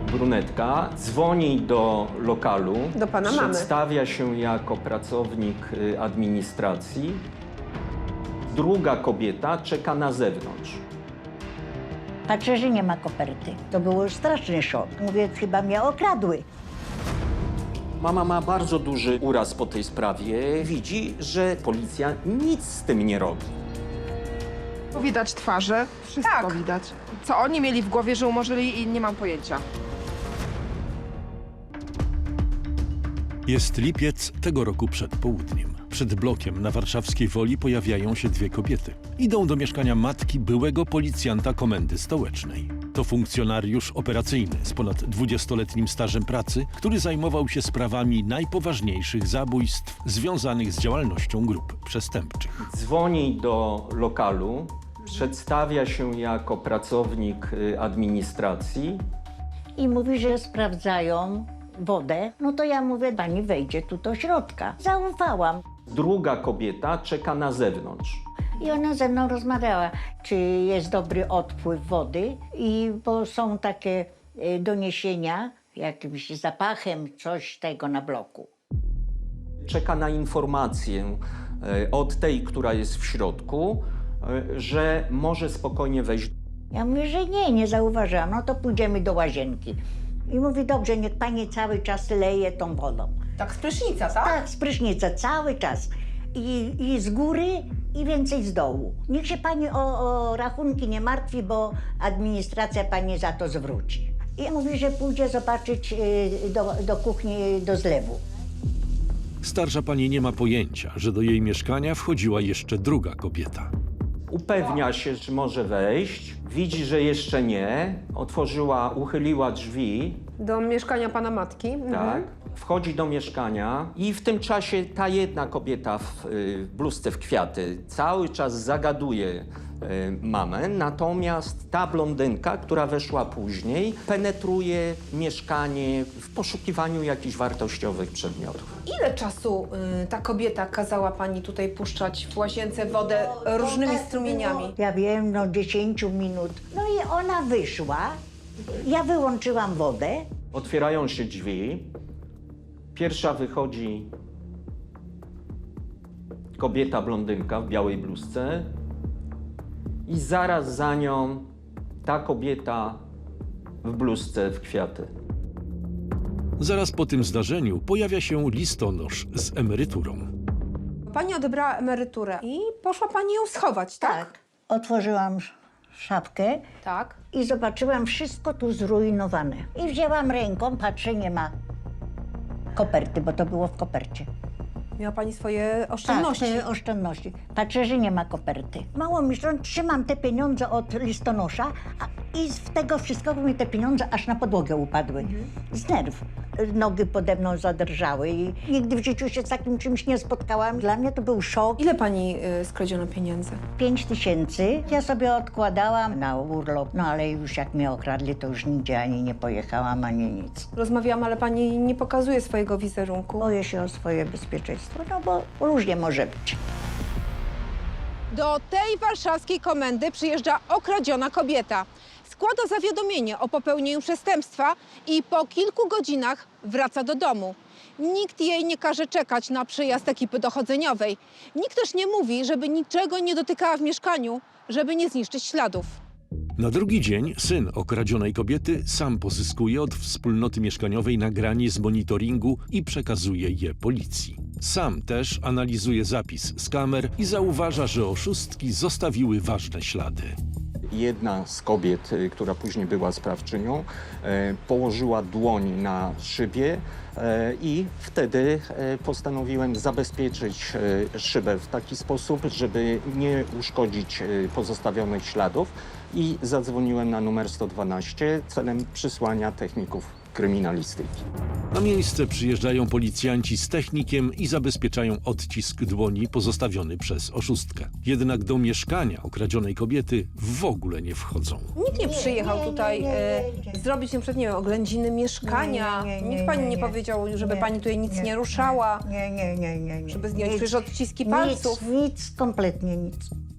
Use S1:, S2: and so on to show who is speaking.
S1: Brunetka dzwoni do lokalu,
S2: Do pana mamy.
S1: przedstawia się jako pracownik administracji. Druga kobieta czeka na zewnątrz.
S3: Patrzę, że nie ma koperty. To był straszny szok. Mówię, chyba mnie okradły.
S1: Mama ma bardzo duży uraz po tej sprawie. Widzi, że policja nic z tym nie robi.
S2: Widać twarze, wszystko widać. Co oni mieli w głowie, że umorzyli i nie mam pojęcia.
S4: Jest lipiec tego roku przed południem. Przed blokiem na warszawskiej Woli pojawiają się dwie kobiety. Idą do mieszkania matki byłego policjanta Komendy Stołecznej. To funkcjonariusz operacyjny z ponad 20-letnim stażem pracy, który zajmował się sprawami najpoważniejszych zabójstw związanych z działalnością grup przestępczych.
S1: Dzwoni do lokalu, przedstawia się jako pracownik administracji.
S3: I mówi, że sprawdzają wodę. No to ja mówię, pani wejdzie tu do środka. Zaufałam.
S1: Druga kobieta czeka na zewnątrz.
S3: I ona ze mną rozmawiała, czy jest dobry odpływ wody, bo są takie doniesienia jakimś zapachem, coś tego na bloku.
S1: Czeka na informację od tej, która jest w środku, że może spokojnie wejść.
S3: Ja mówię, że nie zauważyłam, no to pójdziemy do łazienki. I mówi, dobrze, niech pani cały czas leje tą wodą.
S2: Tak z prysznica, tak?
S3: Tak, z prysznica, cały czas. I z góry, i więcej z dołu. Niech się pani o rachunki nie martwi, bo administracja pani za to zwróci. I mówi, że pójdzie zobaczyć do kuchni, do zlewu.
S4: Starsza pani nie ma pojęcia, że do jej mieszkania wchodziła jeszcze druga kobieta.
S1: Upewnia się, czy może wejść. Widzi, że jeszcze nie. Uchyliła drzwi.
S2: Do mieszkania pana matki.
S1: Tak. Wchodzi do mieszkania i w tym czasie ta jedna kobieta w bluzce w kwiaty cały czas zagaduje mamę, natomiast ta blondynka, która weszła później, penetruje mieszkanie w poszukiwaniu jakichś wartościowych przedmiotów.
S5: Ile czasu ta kobieta kazała pani tutaj puszczać w łazience wodę różnymi strumieniami?
S3: Ja wiem, no 10 minut. No i ona wyszła, ja wyłączyłam wodę.
S1: Otwierają się drzwi. Pierwsza wychodzi kobieta blondynka w białej bluzce i zaraz za nią ta kobieta w bluzce w kwiaty.
S4: Zaraz po tym zdarzeniu pojawia się listonosz z emeryturą.
S5: Pani odebrała emeryturę i poszła pani ją schować, tak?
S3: Otworzyłam szafkę
S5: Tak.
S3: i zobaczyłam wszystko tu zrujnowane. I wzięłam ręką, patrzę, nie ma koperty, bo to było w kopercie.
S5: Miała pani swoje oszczędności.
S3: Tak, te oszczędności. Patrzę, że nie ma koperty. Mało mi, że trzymam te pieniądze od listonosza i z tego wszystkiego mi te pieniądze aż na podłogę upadły. Z nerw. Nogi pode mną zadrżały i nigdy w życiu się z takim czymś nie spotkałam. Dla mnie to był szok.
S5: Ile pani skradziono pieniędzy?
S3: 5000 ja sobie odkładałam na urlop, no ale już jak mnie okradli, to już nigdzie ani nie pojechałam, ani nic.
S5: Rozmawiałam, ale pani nie pokazuje swojego wizerunku.
S3: Boję się o swoje bezpieczeństwo, no bo różnie może być.
S6: Do tej warszawskiej komendy przyjeżdża okradziona kobieta. Składa zawiadomienie o popełnieniu przestępstwa i po kilku godzinach wraca do domu. Nikt jej nie każe czekać na przyjazd ekipy dochodzeniowej. Nikt też nie mówi, żeby niczego nie dotykała w mieszkaniu, żeby nie zniszczyć śladów.
S4: Na drugi dzień syn okradzionej kobiety sam pozyskuje od wspólnoty mieszkaniowej nagranie z monitoringu i przekazuje je policji. Sam też analizuje zapis z kamer i zauważa, że oszustki zostawiły ważne ślady.
S1: Jedna z kobiet, która później była sprawczynią, położyła dłoń na szybie i wtedy postanowiłem zabezpieczyć szybę w taki sposób, żeby nie uszkodzić pozostawionych śladów i zadzwoniłem na numer 112 celem przysłania techników kryminalistyki.
S4: Na miejsce przyjeżdżają policjanci z technikiem i zabezpieczają odcisk dłoni pozostawiony przez oszustkę. Jednak do mieszkania okradzionej kobiety w ogóle nie wchodzą.
S5: Nikt nie przyjechał tutaj zrobić na przykład, nie wiem, oględziny mieszkania. Nikt pani nie powiedział, żeby pani tutaj nic nie ruszała.
S3: Nie.
S5: Żeby zdjąć przecież odciski palców.
S3: Nic, kompletnie nic.